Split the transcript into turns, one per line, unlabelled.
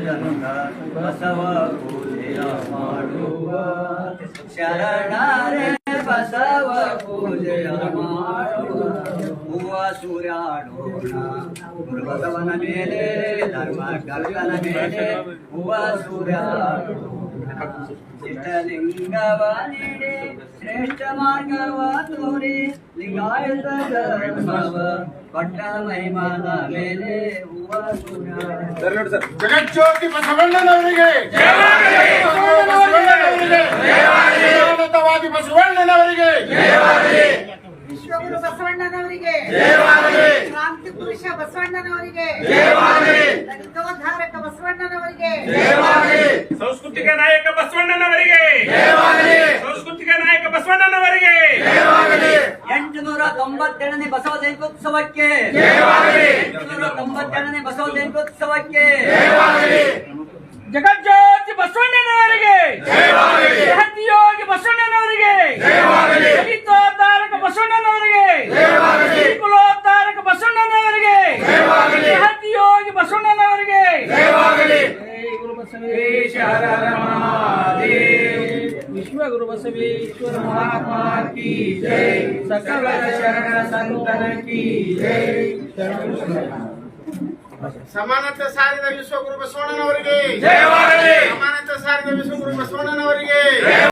ಜನಕ ಬಸವ ಪೂಜೆಯ ಮಾಡುವ ಶರಣರೇ ಬಸವ ಪೂಜೆಯ ಮಾಡುವ ಹೂವ ಸೂರ್ಯಾಡೋಣ ಗುರು ಬಸವನ ಮೇಲೆ ಧರ್ಮ ಕರ್ತನ ಮೇಲೆ ಹೂವ ಸೂರ್ಯಾಡೋಣ ಚಿತ್ತಲಿಂಗವ ನೀಡಿ ಶ್ರೇಷ್ಠ ಮಾರ್ಗವ ತೋರಿ ಲಿಂಗಾಯತ ಧರ್ಮವ ಪಟ್ಟ ಮಹಿಮಾನ ಮೇಲೆ ಹೂವ ಸೂರ್ಯಾಡೋಣ
ಜಗಜ್ಯೋತಿ ಬಸವಣ್ಣನವರಿಗೆ ಭಾರತವಾದಿ ಬಸವಣ್ಣನವರಿಗೆ
ವಿಶ್ವಗುರು ಬಸವಣ್ಣನವರಿಗೆ ಕ್ರಾಂತಿ ಪುರುಷ ಬಸವಣ್ಣನವರಿಗೆ ದಲಿತೋದ್ಧಾರಕ ಬಸವಣ್ಣನವರಿಗೆ
ಸಂಸ್ಕೃತಿಕ ನಾಯಕ ಬಸವಣ್ಣನವರಿಗೆ ಸಂಸ್ಕೃತಿಕ ನಾಯಕ ಬಸವಣ್ಣನವರಿಗೆ
897ನೇ ಬಸವ ಜಯಂತ್ಯೋತ್ಸವಕ್ಕೆ 897ನೇ ಬಸವ ಜಯಂತ್ಯೋತ್ಸವಕ್ಕೆ
ಜಗಜ್ಯೋತಿ ಬಸವಣ್ಣನವರಿಗೆ ಸಹಯೋಗಿ ಬಸವಣ್ಣನವರಿಗೆ ದಲಿತೋದ್ಧಾರಕ ಬಸವಣ್ಣನವರಿಗೆ ಕುಲೋದ್ಧಾರಕ ಬಸವಣ್ಣನವರಿಗೆ ಸಹಯೋಗಿ ಬಸವಣ್ಣನವರಿಗೆ ಗುರು ಬಸವೇಶ್ವರ ವಿಶ್ವಗುರು ಬಸವೇಶ್ವರ ಮಹಾತ್ಮ ಕಿ ಜೈ ಸಕಲ ಶರಣ ಸಂತರ ಕಿ ಜೈ
ಸಮಾನತೆ ಸಾರಿದ ವಿಶ್ವಗುರು ಬಸವಣ್ಣನವರಿಗೆ
ಜಯವಾಗಲಿ.
ಸಮಾನತೆ ಸಾರಿದ ವಿಶ್ವಗುರು ಬಸವಣ್ಣನವರಿಗೆ